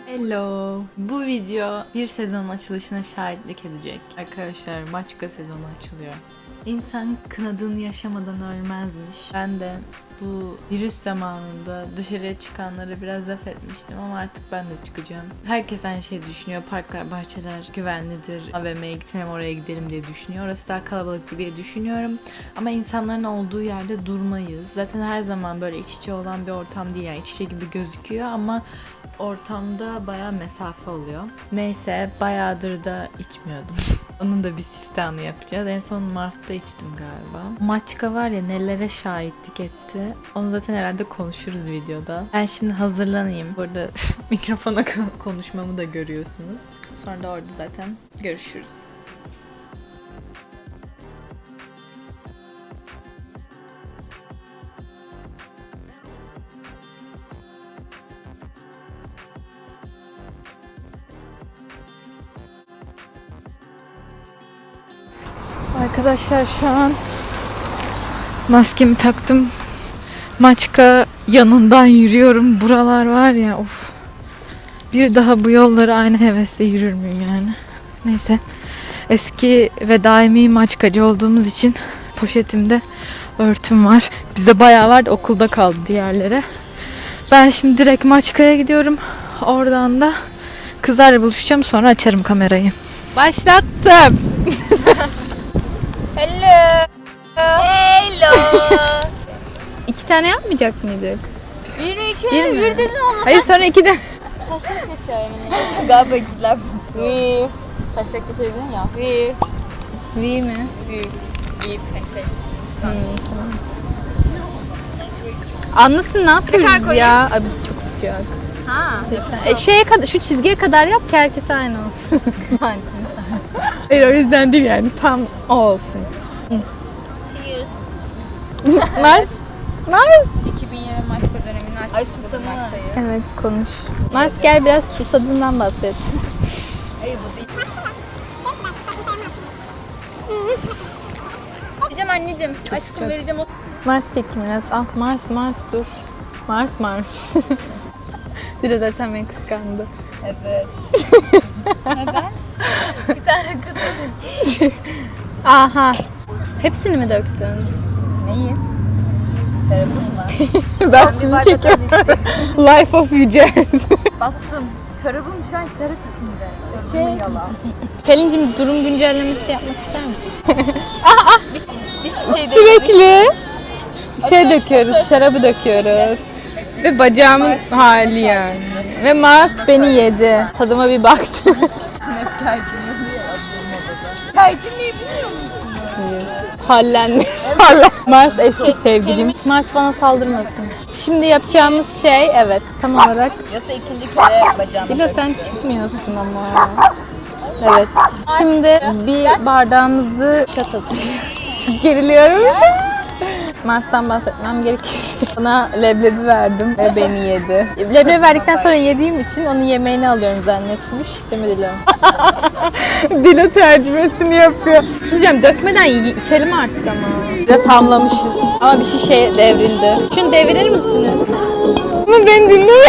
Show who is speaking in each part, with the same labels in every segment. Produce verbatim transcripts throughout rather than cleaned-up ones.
Speaker 1: Hello. Bu video bir sezonun açılışına şahitlik edecek. Arkadaşlar Maçka sezonu açılıyor. İnsan kınadığını yaşamadan ölmezmiş. Ben de bu virüs zamanında dışarıya çıkanlara biraz laf etmiştim ama artık ben de çıkacağım. Herkes aynı şeyi düşünüyor. Parklar, bahçeler güvenlidir. A V M'ye gitmem oraya gidelim diye düşünüyor. Orası daha kalabalık diye düşünüyorum. Ama insanların olduğu yerde durmayız. Zaten her zaman böyle iç içe olan bir ortam değil. Yani iç içe gibi gözüküyor ama ortamda bayağı mesafe oluyor. Neyse bayağıdır da içmiyordum. Onun da bir siftahını yapacağız. En son Mart'ta içtim galiba. Maçka var ya nelere şahitlik etti. Onu zaten herhalde konuşuruz videoda. Ben şimdi hazırlanayım. Burada mikrofona konuşmamı da görüyorsunuz. Sonra da orada zaten görüşürüz. Arkadaşlar şu an maskemi taktım. Maçka yanından yürüyorum. Buralar var ya of. Bir daha bu yolları aynı hevesle yürür müyüm yani? Neyse. Eski ve daimi Maçkacı olduğumuz için poşetimde örtüm var. Bizde bayağı vardı, okulda kaldı diğerlere. Ben şimdi direkt Maçka'ya gidiyorum. Oradan da kızlarla buluşacağım, sonra açarım kamerayı. Başlattım.
Speaker 2: Hello. Hello.
Speaker 1: İki tane yapmayacak mıydık?
Speaker 2: Bir iki
Speaker 1: Bir mi?
Speaker 2: bir dedin olmasa.
Speaker 1: Hayır sonra iki de.
Speaker 2: Taşak geçer mi? Galiba gizler. Vi. Taşak geçebilirsin ya. Vi.
Speaker 1: V mi?
Speaker 2: Vi. Vi. Hani şey.
Speaker 1: Anlatın ne yapıyoruz
Speaker 2: kadar koyayım?
Speaker 1: ya? Abi çok sıcak.
Speaker 2: Ha.
Speaker 1: E, şeye kadar, şu çizgiye kadar yap ki herkes aynı olsun.
Speaker 2: Hani.
Speaker 1: Hayır o yüzden değil yani, tam o olsun.
Speaker 2: Cheers.
Speaker 1: Mars. Mars.
Speaker 2: iki bin yirmi Maçka döneminin açtık. Ay susamı.
Speaker 1: Evet konuş. Mars gel biraz susadığından bahset.
Speaker 2: Hayır bu değil. Vereceğim anneciğim. Aşkım
Speaker 1: sıcak.
Speaker 2: vereceğim. O...
Speaker 1: Mars çekim biraz. Ah Mars Mars dur. Mars Mars. Dile zaten beni kıskandı.
Speaker 2: Evet. Neden? Bir tane kadın.
Speaker 1: Aha. Hepsini mi döktün?
Speaker 2: Neyi? Şarabın mı?
Speaker 1: Ben
Speaker 2: Ben bir
Speaker 1: sizi
Speaker 2: bardak
Speaker 1: çekiyorum.
Speaker 2: az içeceksin.
Speaker 1: Life of Yücez.
Speaker 2: Baktım. Çorabım şu an şarap içinde.
Speaker 1: Şey-
Speaker 2: Şey. Yalan.
Speaker 1: Pelin'cim durum güncellemesi yapmak ister misin?
Speaker 2: Bir şey değil.
Speaker 1: Sürekli şey döküyoruz, şarabı döküyoruz. Ve bacağımın hali yani. Ve Mars beni yedi. Tadıma bir baktı.
Speaker 2: Kaydırmayı biliyor musun?
Speaker 1: Hallendi. Hallen- Mars eski sevgilim. Mars bana saldırmasın. Şimdi yapacağımız şey evet tam olarak.
Speaker 2: Yasa ikinci kere bacağımı.
Speaker 1: Dilo sen çıkmıyorsun ama. Evet. Şimdi bir bardağımızı şat atıyoruz. Çok geriliyorum. Mars'tan bahsetmem gerekirse. Ona leblebi verdim ve beni yedi. Leblebi verdikten sonra yediğim için onun yemeğini alıyorum zannetmiş. Değil mi Dilo? Dilo tercümesini yapıyor. Diyeceğim dökmeden y- içelim artık ama. Biraz hamlamışız. Ama bir şişe devrildi. Şunu devirir misiniz? Ama ben dinlemiyorum.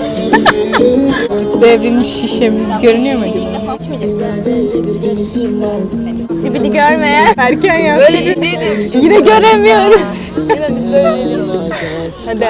Speaker 1: Devrilmiş şişemiz görünüyor mu acaba? Dibini görmeye erken yaptık.
Speaker 2: Böyle bir değilim.
Speaker 1: Yine göremiyoruz.
Speaker 2: Yine biz böyle değilim.
Speaker 1: Hadi.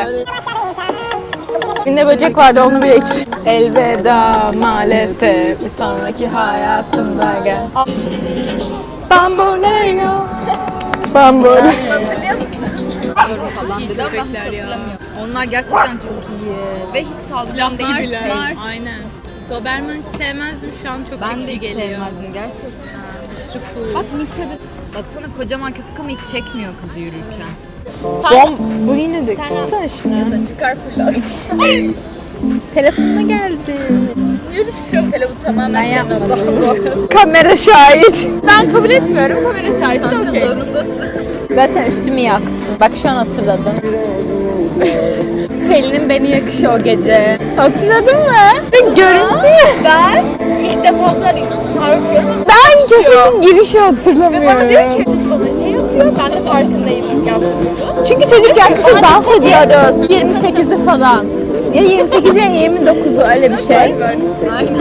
Speaker 1: Yine böcek vardı onu bile iç. Elveda maalesef bir sonraki hayatımda gel. Bamboleo. Bamboleo.
Speaker 2: Hatırlıyor musun? Falan dedi ama ben hiç hatırlamıyorum. Onlar gerçekten çok iyi. Ve hiç sağlıklı değil.
Speaker 1: Aynen. Doberman hiç sevmezdim, şu an çok
Speaker 2: Ben de hiç sevmezdim gerçekten.
Speaker 1: Aşırı cool.
Speaker 2: Bak Mişa'da baksana kocaman köpek ama hiç çekmiyor kızı yürürken.
Speaker 1: Bom. Bu yine dök. Tutsana şunu.
Speaker 2: Yasa çıkar fırlat.
Speaker 1: Telefonuma geldi.
Speaker 2: Yürüyüşüm. Telefon tamamen
Speaker 1: Ben
Speaker 2: senin
Speaker 1: yapmadım.
Speaker 2: adın bu arada.
Speaker 1: Kamera şahit.
Speaker 2: Ben kabul etmiyorum. Kamera şahidi de zorundasın.
Speaker 1: Zaten üstümü yaktı. Bak şu an hatırladım. Pelin'in beni yakışı o gece. Hatırladın mı? Görüntü.
Speaker 2: Ben ilk defa bu kadar sarhoş görmedim.
Speaker 1: Ben kesin girişi hatırlamıyorum.
Speaker 2: Ve bana diyor ki çocuk bana şey yapıyor. Ben de farkındayım yaptığını.
Speaker 1: Çünkü çocuk yaklaşık dans ediyoruz. yirmi sekizi falan.
Speaker 3: Ya yirmi sekiz ya yirmi dokuzu öyle bir şey.
Speaker 2: Aynen.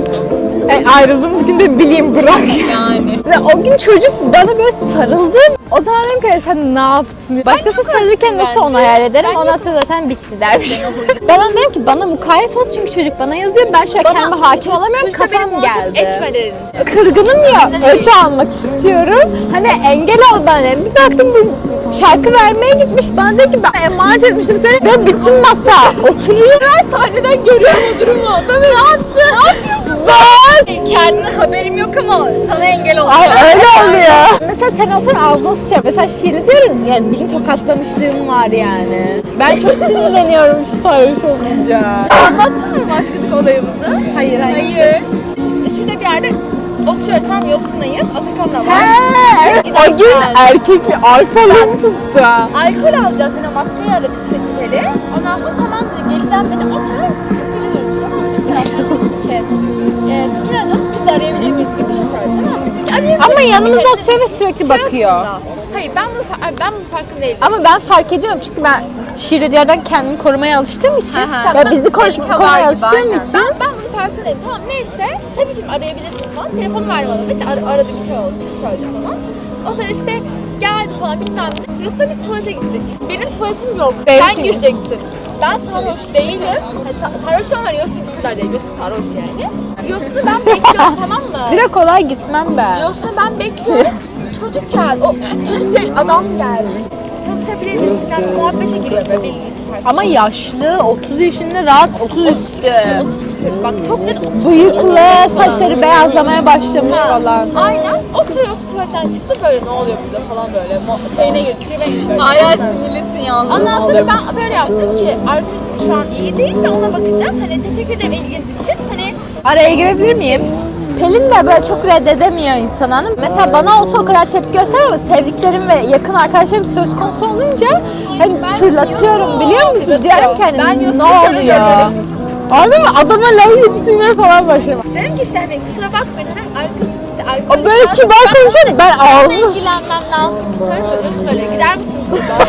Speaker 3: E, ayrıldığımız gün de bileyim bırak.
Speaker 2: Yani.
Speaker 3: Ve o gün çocuk bana böyle sarıldı. O zaman dedim ki sen ne yaptın? Başkası sarılırken nasıl onu hayal ederim? Ondan sonra zaten bitti dermiş. Ben ona dedim ki bana mukayyet ol çünkü çocuk bana yazıyor. Ben şu an kendime hakim olamıyorum. Kafam geldi.
Speaker 1: Etme dedin.
Speaker 3: Kırgınım ya. Ölçü almak istiyorum. Hani engel ol bana dedim. Bir baktım bu şarkı vermeye gitmiş. Bana dedi ki ben emanet etmiştim seni. Ve bütün masa oturuyor. Ben sahneden görüyorum o durumu. Ben ne yaptın? Ne yapıyorsun? Ben.
Speaker 2: Kendine haberim yok ama sana engel ol.
Speaker 3: Ay öyle oluyor. Mesela sen olsan ağzına sıçar. Mesela şiiri diyorum yani bir gün tokatlamışlığım var yani. Ben çok sinirleniyorum şu sarhoş olunca.
Speaker 2: Anlattın mı başladık olayımızı?
Speaker 3: Hayır hayır.
Speaker 2: Hayır. Şurada bir yerde oturuyoruz, tam yosunlayız. Atakan'la var.
Speaker 3: He, o gün erkek bir alkolüm tuttu.
Speaker 2: Alkol alacağız, yine maskayı aradık şekeri. Ondan sonra tamam dedi, geleceğim dedi. O sırada biz de biliyoruz. Üst tarafta ki. E, Tekir aradık, biz de arayabilir miyiz gibi bir şey söyledi. Tamam mı? Biz de arayabilir
Speaker 3: Ama
Speaker 2: miyiz?
Speaker 3: yanımızda
Speaker 2: Dedi.
Speaker 3: oturuyor ve sürekli bakıyor.
Speaker 2: Hayır, ben bunu fa- ben bunun farkında değilim.
Speaker 3: Ama ben fark ediyorum çünkü ben şiirli yerden kendimi korumaya alıştığım için
Speaker 2: Hı hı.
Speaker 3: ve bizi koruş,
Speaker 2: Panik var
Speaker 3: korumaya
Speaker 2: gibi,
Speaker 3: alıştığım
Speaker 2: aynen.
Speaker 3: için
Speaker 2: Ben, ben bunun farkında değilim. Tamam neyse, tabii ki arayabilirsiniz falan. Telefonu verdi bana. İşte ar- aradı, bir şey oldu, bir şey söyledi falan. O sırada işte geldi falan bilmem ne. Yusuf'la biz tuvalete gittik. Benim tuvaletim yok.
Speaker 3: Benim
Speaker 2: Sen
Speaker 3: için-
Speaker 2: gireceksin. Ben sarhoş değilim. Hani sa- sarhoş ama Yusuf bu kadar değil. Yusuf sarhoş yani. Yusuf'u ben bekliyorum, tamam mı?
Speaker 3: direkt kolay gitmem ben.
Speaker 2: Yusuf'u ben bekliyorum. Çocuk geldi. O çocuk değil, adam geldi. Tanışabilir miyiz? Bizden muhabbete giriyor böyle bildiğin.
Speaker 3: Ama yaşlı, otuz yaşında rahat otuz üstü.
Speaker 2: otuz küsür. Bak çok net otuz.
Speaker 3: Bıyıklı, saçları beyazlamaya başlamış falan.
Speaker 2: Aynen. Oturuyoruz, tuvaletten çıktı böyle ne oluyor burada falan böyle. Mo- şeyine girdi, tribe girdi. Hala sinirlisin yalnız. Ondan sonra ben böyle yaptım ki arkadaşım şu an iyi değil de ona bakacağım. Hani teşekkür ederim ilginiz için. Hani
Speaker 3: Araya girebilir miyim? Pelin de böyle çok reddedemiyor insan hanım. Mesela bana olsa o kadar tepki gösterir ama sevdiklerim ve yakın arkadaşlarım söz konusu olunca hani fırlatıyorum biliyor musun? Diyorum ki hani
Speaker 2: Ben
Speaker 3: ne
Speaker 2: Yusuf'u
Speaker 3: oluyor?
Speaker 2: seviyorum.
Speaker 3: Anladın mı? Adama laf yetiştirmeye falan başladım.
Speaker 2: dedim ki işte hani kusura bakmayın hani arkadaşım işte
Speaker 3: O
Speaker 2: arkadaşım.
Speaker 3: böyle kibar konuşuyor ben
Speaker 2: Benimle
Speaker 3: ağzını
Speaker 2: ilgilenmem lazım bir soru soruyorsun böyle gider misiniz buradan?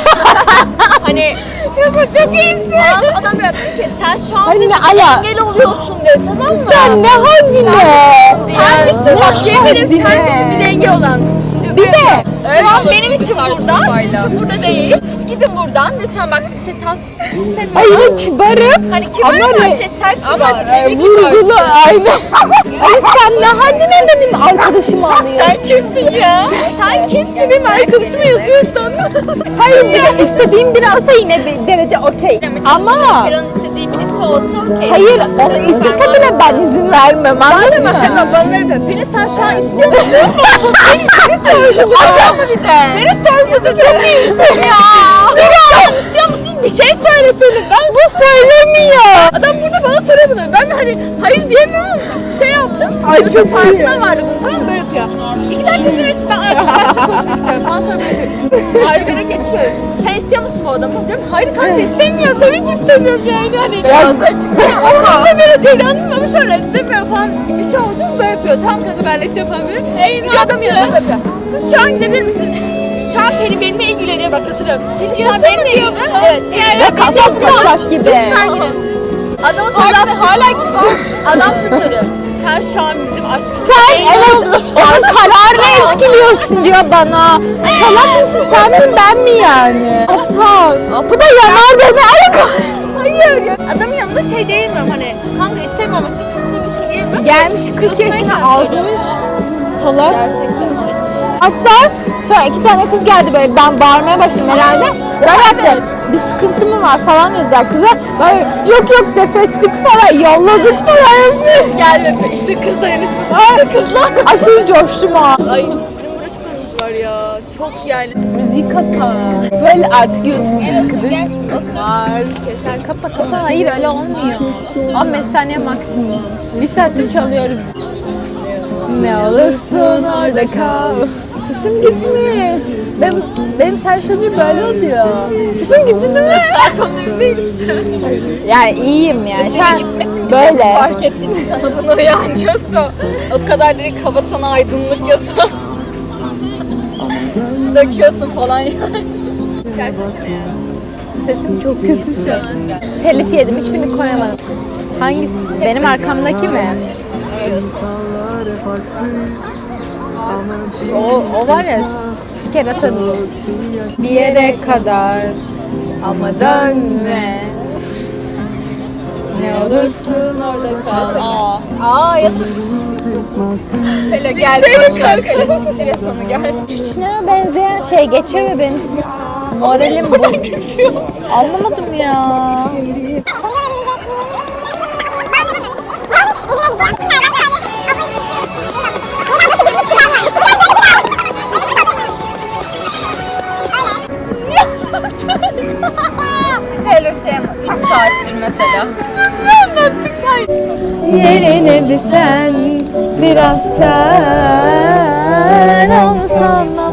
Speaker 2: Hani Yusuf çok iyisin. Adam böyle dedi ki sen şu an
Speaker 3: Hani
Speaker 2: dedi,
Speaker 3: ne ala?
Speaker 2: engel oluyorsun dedi tamam mı?
Speaker 3: Sen ne haddine?
Speaker 2: Sen misin bak yemin ederim sen
Speaker 3: haddine?
Speaker 2: misin bize engel olan.
Speaker 3: Bir de
Speaker 2: Şu an benim için burada, sizin için burada değil. Siz gidin buradan lütfen bak işte tas istemiyorum.
Speaker 3: ay yine kibarım.
Speaker 2: Hani kibar
Speaker 3: Ama
Speaker 2: ama
Speaker 3: ne-
Speaker 2: şey sert
Speaker 3: Ama
Speaker 2: kibar.
Speaker 3: e, vurgulu aynen. Ay sen ne haddine benim arkadaşımı alıyorsun?
Speaker 2: Sen kimsin ya? Sen kimsin benim arkadaşıma yazıyorsun?
Speaker 3: Hayır bir de istediğim biri olsa yine bir derece okey. Ama
Speaker 2: Peron'un istediği birisi olsa okey.
Speaker 3: hayır onu istese bile ben izin vermem anladın mı?
Speaker 2: Hemen bana ver be. Beni sen şu an istiyor musun? Beni sordun. Adam mı bir de? Beni sormuyorsun çok iyisin ya. Sen istiyor musun? Bir şey söyle Pelin. Ben
Speaker 3: Bu söylemiyor.
Speaker 2: adam burada bana soruyor bunu. Ben de hani hayır diyemiyorum ama şey yaptım.
Speaker 3: Ay,
Speaker 2: Yoksa
Speaker 3: çok iyi.
Speaker 2: farkına vardı bunu tamam mı? Böyle yapıyor. İki dakika izin verirsin ben arkadaşlarla konuşmak istiyorum. Bana sonra böyle yapıyor. Ayrı geçip böyle. Sen istiyor musun bu adamı? Diyorum hayır kanka istemiyorum. Tabii ki istemiyorum yani. Hani
Speaker 3: Beyazlar
Speaker 2: çıkıyor. Orada böyle değil anladın mı? Şöyle demiyor falan gibi bir şey oldu. Böyle yapıyor. Tamam kanka ben halledeceğim falan böyle. Bir adam yanına yapıyor. Siz şu an gidebilir misiniz? Şu an Pelin benimle ilgileniyor bak hatırlıyorum. Pelin şu an benimle ilgileniyor. Evet.
Speaker 3: Ya kasap kaçak gibi.
Speaker 2: Lütfen gidin. Adama soruyor. Hala kim var? Adam şu soruyor. Sen şu an bizim aşkımızı
Speaker 3: Sen evet onun kararını etkiliyorsun diyor bana. Salak mısın sen mi ben mi yani? Aptal. Bu da yanar beni ayak.
Speaker 2: Hayır ya. Adamın yanında şey diyemiyorum hani. Kanka istemiyorum ama siz istemiyorsun diyemiyorum.
Speaker 3: Gelmiş kırk yaşına azmış. Salak.
Speaker 2: Gerçekten.
Speaker 3: Hatta sonra iki tane kız geldi böyle ben bağırmaya başladım herhalde. Böyle bir sıkıntı mı var falan dediler kıza. Böyle yok yok defettik falan yolladık falan.
Speaker 2: Geldi işte kız dayanışması.
Speaker 3: Ay,
Speaker 2: Kızlar.
Speaker 3: aşırı coştum ha.
Speaker 2: Ay bizim uğraşmamız var ya. Çok yani.
Speaker 3: Müzik kapa. Böyle artık YouTube
Speaker 2: Gel otur gel. Otur.
Speaker 3: var. Keser kapa kapa. Hayır öyle olmuyor. on beş saniye maksimum. Bir saattir çalıyoruz. Ne olursun orada kal. Sesim gitmiş. Benim, benim serşanım böyle oluyor. Sesim gitti değil mi?
Speaker 2: Sarsanlarım değiliz şu an.
Speaker 3: Yani iyiyim yani. Şu an
Speaker 2: Gitmesin
Speaker 3: böyle.
Speaker 2: Fark ettin mi sana bunu uyanıyorsa? O kadar direkt hava sana aydınlık yasa. Su döküyorsun falan yani. Gerçekten yani.
Speaker 3: Sesim çok kötü şu an. Telif yedim, hiçbirini koyamadım. Hangisi? Benim arkamdaki mi? O, o var ya, siker atarım. Bir yere kadar ama dönme. Ne olursun orada kal.
Speaker 2: Aa. Aa ya. Hele gel. Seni kanka. Hele siktir et onu gel.
Speaker 3: Şuna benzeyen şey geçiyor ve benim moralim bu. Anlamadım ya.
Speaker 2: Hele şey ama üç saattir mesela.
Speaker 3: Yerine bir sen, biraz sen olsan